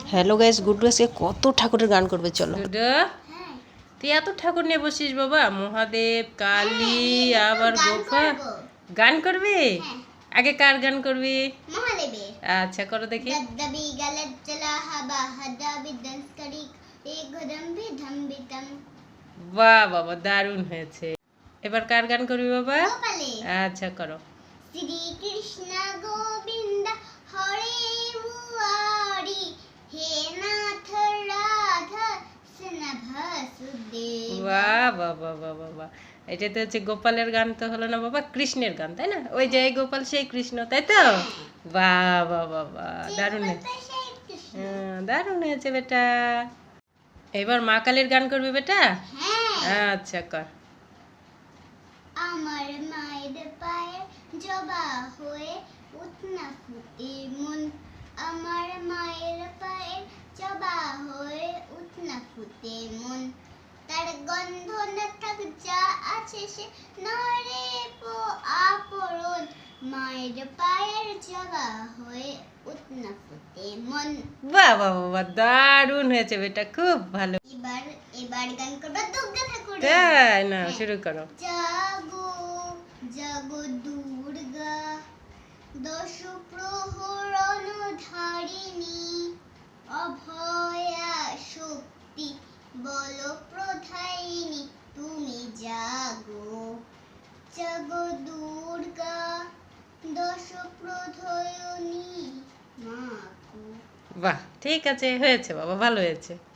Hello guys, Guddu আজকে কত ঠাকুরের গান করবে, চলো। গুড্ডু, তুই এত ঠাকুর নিয়ে বসিস বাবা? মহাদেব, কালী, আবার গোপা গান করবি? আগে কার গান করবি? মহাদেবের। আচ্ছা, করো দেখি। গদ্দাবি গালাত চলা হাবা হাদাবি দন্স করি এক গদম্বি ধম্বিতম। বাহ বাবা, দারুণ হয়েছে। এবার কার গান করবি বাবা? গোপালে। আচ্ছা, করো। শ্রী কৃষ্ণ গোবিন্দ হরে মুরারি হে নাথ রাধা স্নেহ সুদেব। বাহ বাহ বাহ বাহ বাহ বাহ। এটা তো হচ্ছে গোপালের গান, তো হলো না বাবা, কৃষ্ণের গান, তাই না? ওই যে এই গোপাল সেই কৃষ্ণ, তাই তো? বাহ বাহ বাহ বাহ, দারুণ হয়েছে। দারুণ হয়েছে বেটা। এবার মা কালীর গান করবি বেটা? আচ্ছা, কর। আমার মায়ের পায়ে জবা হয়ে উঠনা ফুটে মন। আমার মায়ের পায়ে জবা হয়ে উঠনা ফুটে মন। তার গন্ধ না থাক যা আছে সে নরে আপরণ। মায়ের পায়ের জবা হয়ে উঠনা ফুটে মন। বাহ বাহ বাহ, দারুণ হয়েছে বেটা, খুব ভালো। এবার এবার গান করবো দুর্গা ঠাকুর। তাই না? শুরু করো। জাগো জাগো দুর্গা দশ প্রহরণ ধারিণী অভয়া শক্তি বল প্রধায়িনী তুমি জাগো। জাগো দুর্গা দশ প্রধয়িনী মা গো। বাহ, ঠিক আছে, হয়েছে বাবা, ভালো হয়েছে।